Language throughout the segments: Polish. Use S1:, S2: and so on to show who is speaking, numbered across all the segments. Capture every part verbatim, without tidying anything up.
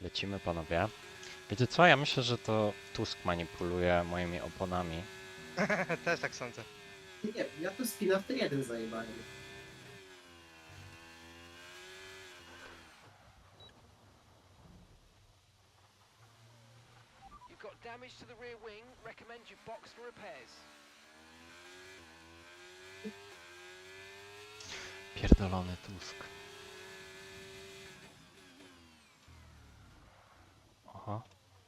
S1: Lecimy, panowie. Wiecie co? Ja myślę, że to Tusk manipuluje moimi oponami.
S2: Też tak sądzę.
S3: Nie, ja tu spina w ten jeden zajebałem.
S4: You've got damage to the rear wing. Recommend you box for repairs.
S1: Pierdolony Tusk. Aha.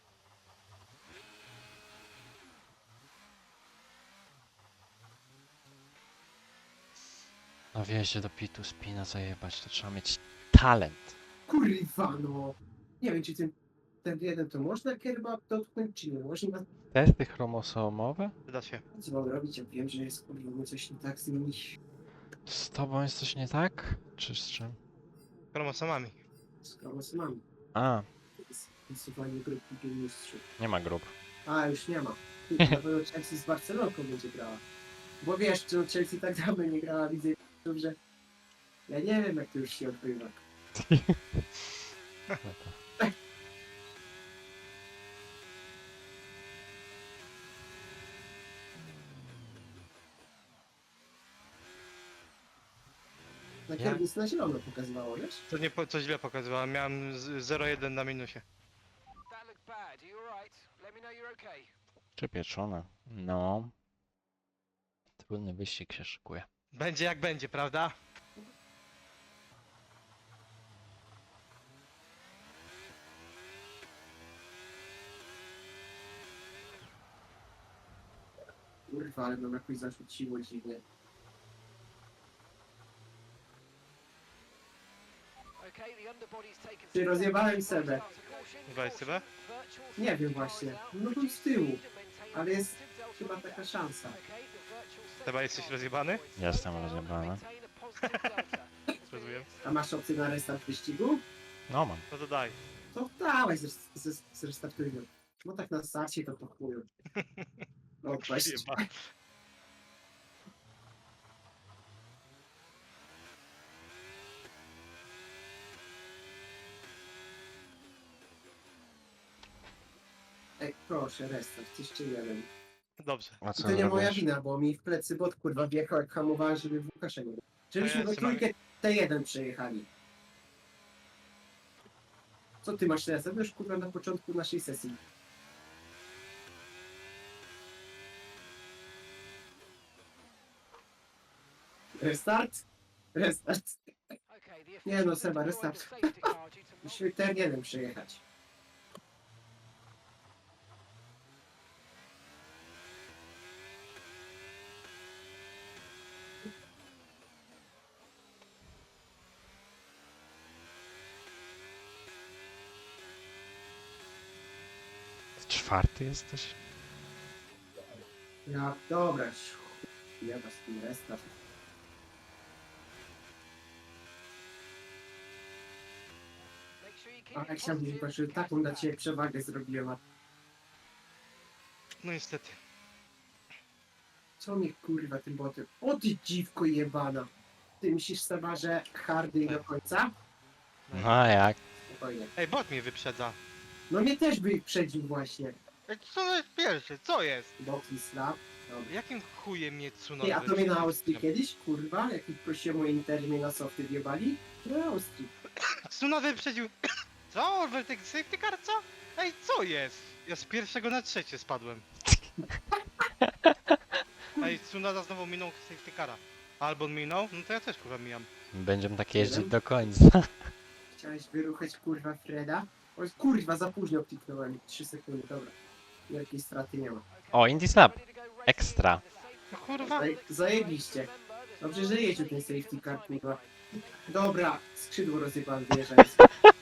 S1: Na wjeździe do pitu spina zajebać, to trzeba mieć talent.
S3: Kurwa no. Nie wiem, czy ten, ten jeden to można kierbab dotknąć, czy nie można.
S1: Testy chromosomowe?
S2: Przyda się.
S3: Co mam robić? Ja wiem, że jest kurwa mu coś nie tak z nimi.
S1: Z tobą jest coś nie tak? Czy z czym?
S2: Chromosomami.
S3: Z kromosomami.
S1: A,
S3: Z usuwanie grupy geniuszy.
S1: nie ma grup.
S3: A, już nie ma. Ty, na pewno Chelsea z Barcelonką będzie grała. Bo wiesz, czy Chelsea tak dawno nie grała, widzę, że ja nie wiem, jak to już się odbywa. Na
S1: Ja-
S3: kierownicy na zielono pokazywało, wiesz?
S2: To nie po, co źle pokazywałem. Miałem z- zero jeden na minusie.
S4: That looked bad. Are you alright? Let me know you're okay.
S1: Czy pieczone? No. Trudny wyścig się szykuje.
S2: Będzie jak będzie, prawda?
S3: Kurwa, ale nam jakoś zarzuciło dziwnie.
S4: Okay, the underbody's taken
S3: Ty,
S4: some
S3: rozjebałem
S4: damage.
S3: Sebę.
S4: Start to caution,
S2: Weź sobie.
S4: virtual
S3: Nie
S4: safety
S3: wiem
S4: car
S3: właśnie.
S4: is out.
S3: No był
S4: Reduce
S3: z tyłu.
S4: speed and maintain
S3: Ale jest
S4: positive delta
S3: chyba
S4: on the
S3: taka
S4: gap.
S3: szansa.
S4: Okay, the virtual safety
S2: Chyba jesteś
S4: car
S2: rozjebany?
S4: points.
S1: Jestem
S4: Slow down,
S1: rozjebany.
S4: maintain a positive delta.
S2: Rozumiem.
S3: A masz opcję na restart wyścigu?
S1: No mam.
S2: No to daj.
S3: To dawaj, zres- zres- zrestartujmy. No tak na starcie to po chuju. No weź.
S2: Jeba.
S3: Ej, proszę, restart, jeszcze jeden.
S2: Dobrze.
S1: A
S3: I
S1: co
S3: to nie moja
S1: zrobisz?
S3: wina, bo mi w plecy bot kurwa wjechał jak hamowałem, żeby w Łukasza nie było. Żebyśmy
S2: ja
S3: we
S2: trzymam-
S3: trójkę T jeden przejechali. Co ty masz teraz? To już kurwa na początku naszej sesji. Restart? Restart.
S4: Okay, the
S3: Nie no,
S4: officials
S3: Seba,
S4: have
S3: restart.
S4: deployed the safety car due to
S3: Musimy T jeden przejechać.
S1: Czwarty jesteś?
S3: Ja, dobra. Ja was tym restart.
S4: Make sure you keep
S3: A
S4: it
S3: jak chciałbym,
S4: positive,
S3: patrzył,
S4: catch
S3: taką
S4: the
S3: dla
S4: back.
S3: ciebie przewagę zrobiłem, a
S2: No niestety.
S3: co mnie kurwa tym botem? O ty dziwko jebana! Ty myślisz Seba, że hardy do końca?
S1: No a jak?
S3: Spokojnie.
S2: Ej, bot mnie wyprzedza.
S3: No mnie też by przedził właśnie.
S2: Ej, co jest pierwszy? Co jest?
S3: Boki slap. Dobra.
S2: Jakim chujem mnie Tsunoda
S3: Ty, a to mnie na
S2: wyprzedza?
S3: Austrii kiedyś, kurwa? Jak ich prosiłem o Inter, mnie na softy wjebali? Na Austrii.
S2: Tsunoda wyprzedził... Co? Wertek safety car, co? Ej, co jest? Ja z pierwszego na trzecie spadłem. Ej, Tsunoda znowu minął safety cara. Albo on minął? No to ja też kurwa mijam.
S1: Będziemy tak jeździć
S3: Jeden?
S1: do końca.
S3: Chciałeś wyruchać kurwa Freda? O, kurwa, za późno kliknąłem. trzy sekundy, dobra. Wielkiej straty nie ma.
S1: O, Indy Snap. Ekstra.
S2: No kurwa.
S3: Zaje- Zajebiście. Dobrze, że jeździł ten safety car, kurwa. Dobra, skrzydło rozjebałem, wyjeżdżając.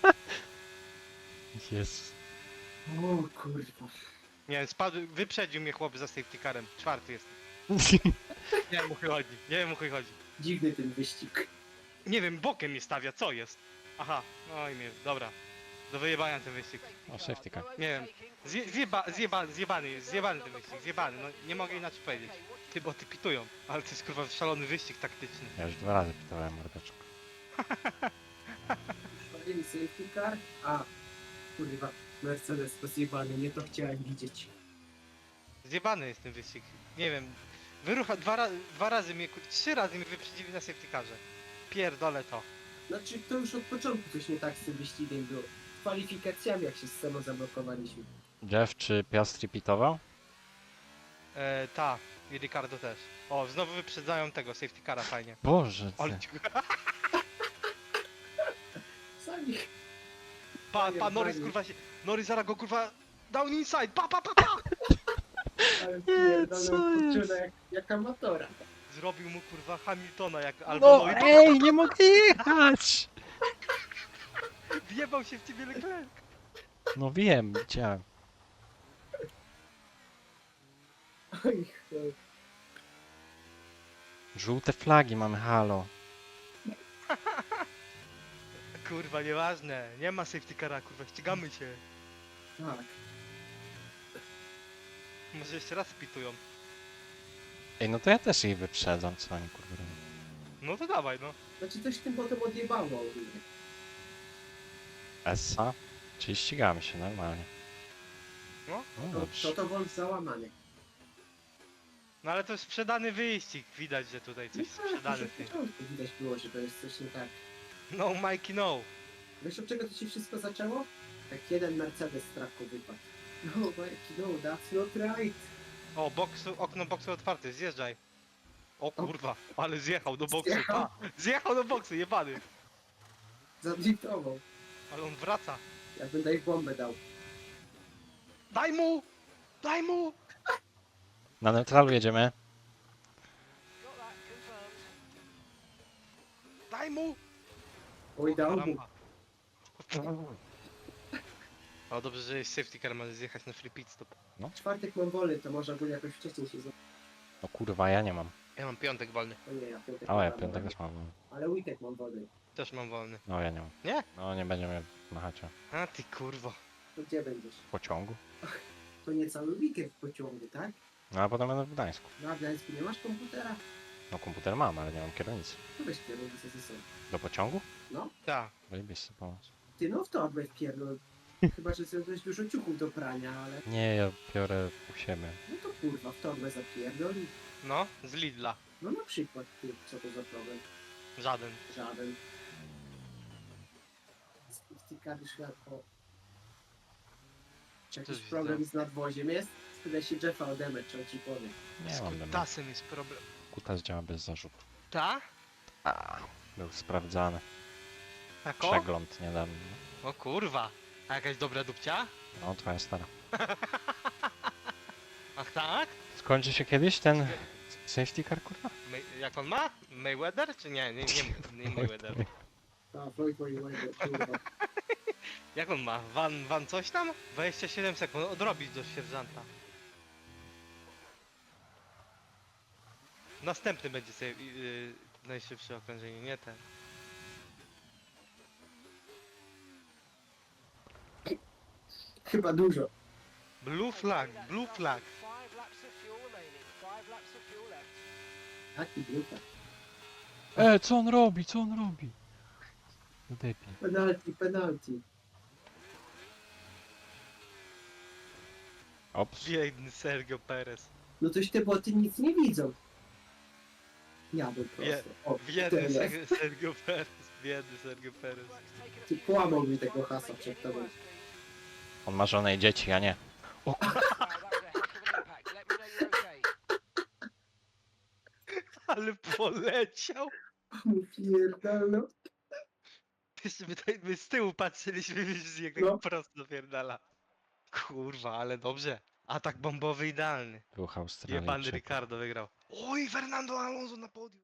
S1: Jest.
S3: O kurwa.
S2: Nie wiem, spadł, wyprzedził mnie chłop za safety carem. Czwarty jest. Nie wiem o chuj chodzi, nie wiem o chuj chodzi.
S3: Dziwny ten wyścig.
S2: Nie wiem, bokiem mnie stawia, co jest? Aha, oj mnie, dobra. Do wyjebania ten wyścig.
S1: O, safety car.
S2: Nie wiem. Zje, zjeba, zjeba, zjebany jest, zjebany ten wyścig, zjebany, no nie mogę inaczej powiedzieć. Ty, bo ty pitują, ale to jest kurwa szalony wyścig taktyczny.
S1: Ja już dwa razy pytałem mordeczko.
S3: Wpadli safety car, a kurwa, Mercedes rozjebany, nie to chciałem widzieć.
S2: Zjebany jest ten wyścig. Nie wiem. Wyrucha dwa, ra dwa razy mnie, kur- trzy razy mnie wyprzedzili na safety carze. Pierdolę to.
S3: Znaczy, to już od początku coś nie tak z tym wyścigiem było. Z kwalifikacjami, jak się z Semo zablokowaliśmy.
S1: Jeff czy Piastri pitował?
S2: E, ta. I Ricardo też. O, znowu wyprzedzają tego safety cara fajnie.
S1: Boże
S2: Ale
S1: ty.
S3: Sami.
S2: Pa, pa, Norris kurwa się. Norris zaraz go kurwa. Down inside. Pa, pa, pa, pa.
S3: Ale
S1: co
S3: pierdolę,
S1: jest?
S3: kurczę, jak, jak amatora.
S2: Zrobił mu kurwa Hamiltona jak albo
S1: No
S2: no, i
S1: ej, nie mogę jechać!
S2: wjebał się w ciebie Leclerc.
S1: No wiem, widziałem.
S3: Oj, chuj.
S1: Żółte flagi mamy, halo.
S2: Kurwa, nieważne. Nie ma safety cara, kurwa, ścigamy się.
S3: Tak.
S2: Może jeszcze raz pitują.
S1: Ej, no to ja też ich wyprzedzam, co oni kurwa robią.
S2: No to dawaj, no.
S3: Znaczy coś tym potem odjebało ogólnie.
S1: Essa? Czyli ścigamy się normalnie.
S2: No.
S1: No
S3: To,
S1: dobrze.
S3: to to Wolf załamany.
S2: No ale to jest sprzedany wyścig. Widać, że tutaj coś
S3: No tak,
S2: sprzedane
S3: już
S2: w
S3: od
S2: tym.
S3: początku widać było, że to jest coś nie tak.
S2: No Mikey, no.
S3: Wiesz od czego to się wszystko zaczęło? Jak jeden Mercedes z traku wypadł. No, Mikey, no, that's not right.
S2: O, boksu, okno boksu otwarte, zjeżdżaj. O kurwa, ale zjechał do boksu.
S3: Zjechał?
S2: Pa. Zjechał do boksu, jebany.
S3: Zadriftował.
S2: Ale on wraca.
S3: Jakbym Dave bombę dał.
S2: Daj mu! Daj mu!
S1: Na neutralu jedziemy.
S4: Got that confirmed.
S2: Daj mu!
S3: Oj,
S2: O,
S3: dał mu.
S2: karamba. O, dobrze, że jest safety car, może zjechać na free pit stop.
S3: W czwartek mam wolny, to może ogólnie jakoś wcześniej się zrobić.
S1: No kurwa, ja nie mam.
S2: Ja mam piątek wolny.
S3: O nie, ja piątek
S1: O, ja
S3: mam
S1: piątek
S3: wolny.
S1: też mam.
S3: Ale weekend mam wolny.
S2: Też mam wolny.
S1: No ja nie mam.
S2: Nie?
S1: No nie będziemy machać o
S2: A ty kurwo.
S3: To gdzie będziesz?
S1: pociągu.
S3: To nie cały weekend w pociągu, tak?
S1: No a potem będę w Gdańsku.
S3: Na Gdańsku nie masz komputera?
S1: No komputer mam, ale nie mam kierownicy.
S3: To weź kierownicę ze sobą.
S1: Do pociągu?
S2: Tak.
S1: Wyjebiste pomóc.
S3: Ty no w torbę wpierdol. Chyba, że zrobiłeś dużo ciuchów do prania, ale...
S1: Nie, ja biorę u siebie.
S3: No to kurwa, w torbę zapierdol i...
S2: No, z Lidla.
S3: No na przykład, ty, co to za problem?
S2: Żaden.
S3: Żaden. Stykary szlak, o... Czy jakiś
S2: Coś
S3: problem z nadwoziem jest? Spytaj się Jeffa o demę, czy on ci powie.
S1: Nie
S2: Z
S1: mam demo.
S2: kutasem jest problem.
S1: Kutas działa bez zarzutu.
S2: Ta?
S1: A, był sprawdzany.
S2: Tako?
S1: Przegląd niedawno.
S2: O kurwa. A jakaś dobra dupcia?
S1: No, twoja stara.
S2: Ach tak?
S1: Skończy się kiedyś ten safety car, kurwa?
S2: May, jak on ma? Mayweather? Czy nie? Nie, nie, nie Mayweather.
S3: A, Floyd Mayweather, kurwa.
S2: Jak on ma? Van, van coś tam? dwadzieścia siedem sekund, odrobić do sierżanta. Następny będzie sobie yy, najszybsze okrążenie, nie ten.
S3: Chyba dużo.
S2: Blue flag, blue flag.
S4: Five laps of fuel remaining. Five laps of fuel left.
S3: Taki grupa.
S1: E, co on robi? Co on robi? Debil.
S3: Penalty, penalty.
S1: Ops.
S2: Biedny Sergio Perez.
S3: No toś te boty nic nie widzą. Ja bym
S2: Wie-
S3: prosto. O,
S2: Biedny
S3: tyle.
S2: Sergio, Sergio Perez. Biedny Sergio Perez.
S3: Ty połamał mi tego hasa przed tobą.
S1: On ma żonę i dzieci, a nie.
S4: Wow, that was a heck of an impact. Let me know you're okay.
S2: Ale poleciał.
S3: Pierdolno.
S2: Jeszcze my, tutaj, my z tyłu patrzyliśmy, wiesz, jak tak
S3: No.
S2: prosto napierdala. Kurwa, ale dobrze. Atak bombowy idealny.
S1: Był
S2: Jebany
S1: Australijczyk.
S2: Ricardo wygrał. Oj, Fernando Alonso na podium.